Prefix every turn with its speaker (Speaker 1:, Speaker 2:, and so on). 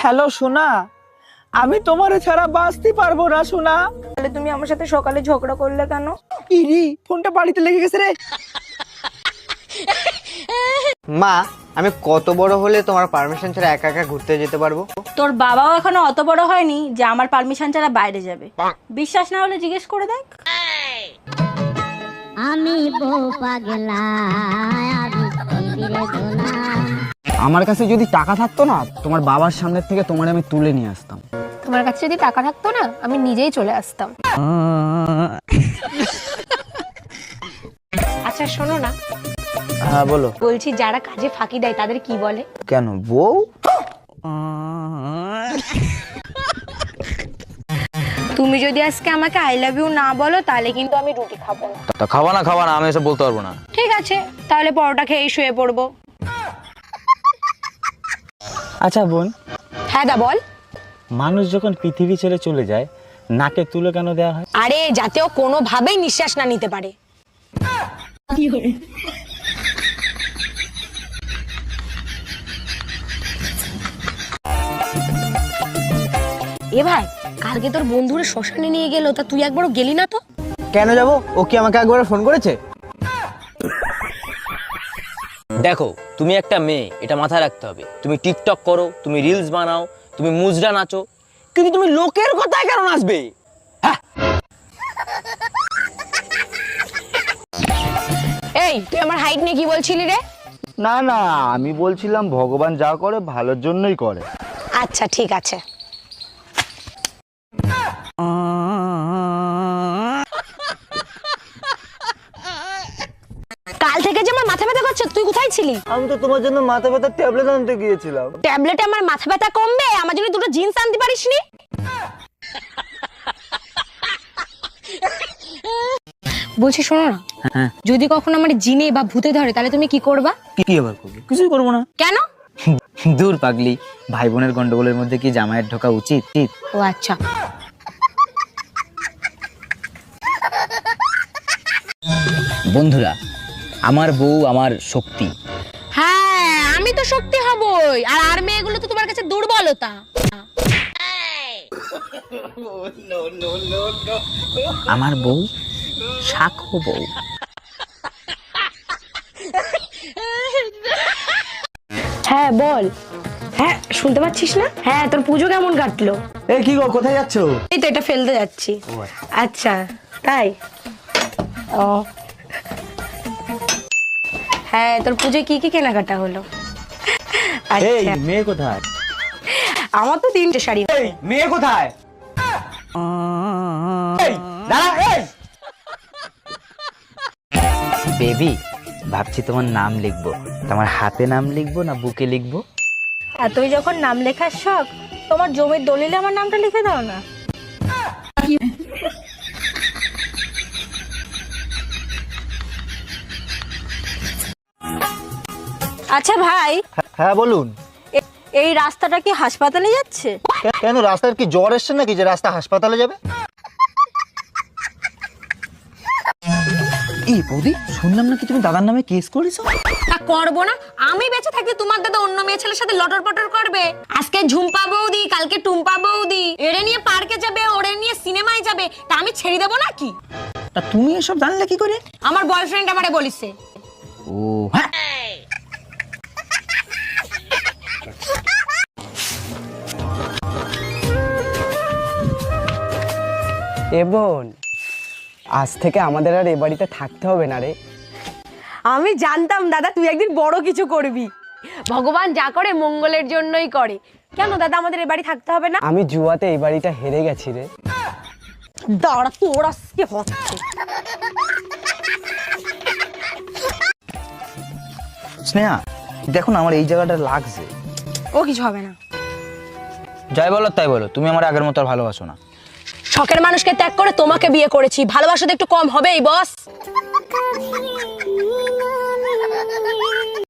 Speaker 1: Hello সোনা, আমি তোমারে ছাড়া বাঁচতে পারবো না সোনা।
Speaker 2: তাহলে তুমি আমার সাথে সকালে ঝগড়া করলে কেন?
Speaker 1: ইরি, ফোনটা বাড়িতে লেগে গেছে রে।
Speaker 3: মা, আমি কত বড় হলে তোমার পারমিশন ছাড়া একা একা ঘুরতে যেতে পারবো?
Speaker 2: তোর বাবাও এখনো অত বড় হয়নি যে আমার পারমিশন ছাড়া বাইরে যাবে। বিশ্বাস না হলে জিজ্ঞেস করে দেখ।
Speaker 4: আমি বউ পাগলা, আমি ফিরে গোলাম।
Speaker 5: আমার কাছে যদি টাকা থাকতো না, তোমার বাবার সামনে থেকে তোমার আমি তুলে নিয়ে আসতাম।
Speaker 6: তোমার কাছে যদি টাকা থাকতো না, আমি নিজেই চলে আসতাম।
Speaker 7: আচ্ছা শোনো না,
Speaker 5: হ্যাঁ বলো।
Speaker 7: বলছি যারা কাজে ফাঁকি দেয় তাদের কি বলে?
Speaker 5: কেন বউ?
Speaker 7: তুমি যদি আজকে আমাকে আই লাভ ইউ না বলো তাহলে কিন্তু আমি রুটি খাবো না।
Speaker 8: তা খাওয়া না আমি এসব বলতে পারবো না।
Speaker 7: ঠিক আছে, তাহলে পরোটা খেয়ে শুয়ে পড়বো।
Speaker 5: আচ্ছা বোন,
Speaker 7: হ্যাঁ দা বল।
Speaker 5: মানুষ যখন পৃথিবী ছেড়ে চলে যায়, নাকে তুলো কেন দেওয়া হয়?
Speaker 7: আরে যাতে ও কোনোভাবেই নিঃশ্বাস না নিতে পারে। এ ভাই, কালকে তোর বন্ধুরা শ্মশানে নিয়ে গেল, তা তুই একবারও গেলি না তো?
Speaker 3: কেন যাবো? ও কি আমাকে একবার ফোন করেছে?
Speaker 8: দেখো, তুমি একটা মেয়ে, এটা মাথায় রাখতে হবে। তুমি টিকটক করো, তুমি রিলস বানাও, তুমি মুজরা নাচো, কিন্তু তুমি লোকের কথায় কেন নাচবে?
Speaker 7: এই তুই আমার হাইট নিয়ে কি বলছিলি রে?
Speaker 5: না না, আমি বলছিলাম ভগবান যা করে ভালোর জন্যই করে।
Speaker 7: আচ্ছা ঠিক আছে। কাল থেকে যে আমার মাথা ব্যথা করছে, তুই কোথায় ছিলি?
Speaker 3: আমি তো তোমার জন্য মাথা ব্যথার ট্যাবলেট আনতে গিয়েছিলাম।
Speaker 7: ট্যাবলেটে আমার মাথা ব্যথা কমবে? আমার জন্য দুটো জিন্স আনতে পারিসনি? বলছি শোনো না, যদি কখনো আমার জিনে বা ভূতে ধরে তাহলে তুমি কি করবা?
Speaker 5: কি আবার করবো? কিছুই করবো না।
Speaker 7: কেন?
Speaker 5: দূর পাগলি, ভাই বোনের গন্ডগোলের মধ্যে কি জামাইয়ের ঢোকা উচিত?
Speaker 7: ও আচ্ছা।
Speaker 8: বন্ধুরা, আমার বউ আমার শক্তি।
Speaker 7: হ্যাঁ, আমি তো শক্তি হবই, আর মেয়েগুলো তো তোমার কাছে দুর্বলতা।
Speaker 5: আমার বউ শাখো বউ।
Speaker 7: হ্যাঁ বল। হ্যাঁ শুনতে পাচ্ছিস না? হ্যাঁ, তোর পুজো কেমন কাটলো?
Speaker 5: এই কি গো, কোথায় যাচ্ছ?
Speaker 7: এই তো এটা ফেলতে যাচ্ছি। আচ্ছা তাই? ও হ্যাঁ, তোর পুজোয় কি কি কেনাকাটা হলো?
Speaker 5: এই
Speaker 7: আচ্ছা,
Speaker 5: মেয়ে কোথায়?
Speaker 7: আমার তো 3টে শাড়ি।
Speaker 5: এই মেয়ে কোথায়? এই দাঁড়া, এই বেবি, ভাবছি তোমার নাম লিখবো। তোমার হাতে নাম লিখবো না বুকে লিখবো?
Speaker 2: এতই যখন নাম লেখার শখ, তোমার জমির দলিলে আমার নামটা লিখে দাও না। আচ্ছা ভাই,
Speaker 3: হ্যাঁ বলুন।
Speaker 2: এই রাস্তাটা কি হাসপাতালে যাচ্ছে?
Speaker 3: কেন, রাস্তার কি জ্বর এসছে নাকি যে রাস্তা হাসপাতালে যাবে?
Speaker 5: এই বৌদি, শুনলাম নাকি তুমি দাদার নামে কেস করেছো?
Speaker 7: তা করবো না? আমি বেঁচে থাকতে তোমার দাদা অন্য মেয়ে ছেলের সাথে লটর পটর করবে? আজকে ঝুম্পা বৌদি, কালকে টুম্পা বৌদি, এরে নিয়ে পার্কে যাবে, ওরে নিয়ে সিনেমায় যাবে, তা আমি ছেড়ে দেবো নাকি?
Speaker 5: তা তুমি এসব জানলে কি করে?
Speaker 7: আমার বয়ফ্রেন্ড আমারে বলিছে।
Speaker 5: ও হ্যাঁ,
Speaker 1: এ বোন, আজ থেকে আমাদের আর এ বাড়িতে থাকতে হবে না রে।
Speaker 7: আমি জানতাম দাদা তুই একদিন বড় কিছু করবি। ভগবান যা করে মঙ্গলের জন্যই করে। কেন দাদা আমাদের এ বাড়ি থাকতে হবে না?
Speaker 1: আমি জুয়াতে এই বাড়িটা হেরে গেছি রে।
Speaker 7: দাঁড়া, তোর আজকে হচ্ছে।
Speaker 5: স্নেহা দেখো না, আমার এই জায়গাটা লাগছে।
Speaker 7: ও কিছু হবে না।
Speaker 8: যাই বলো তাই বলো, তুমি আমার আগের মতো আর ভালোবাসো না।
Speaker 7: শখের মানুষকে ত্যাগ করে তোমাকে বিয়ে করেছি, ভালোবাসা তো একটু কম হবেই বস।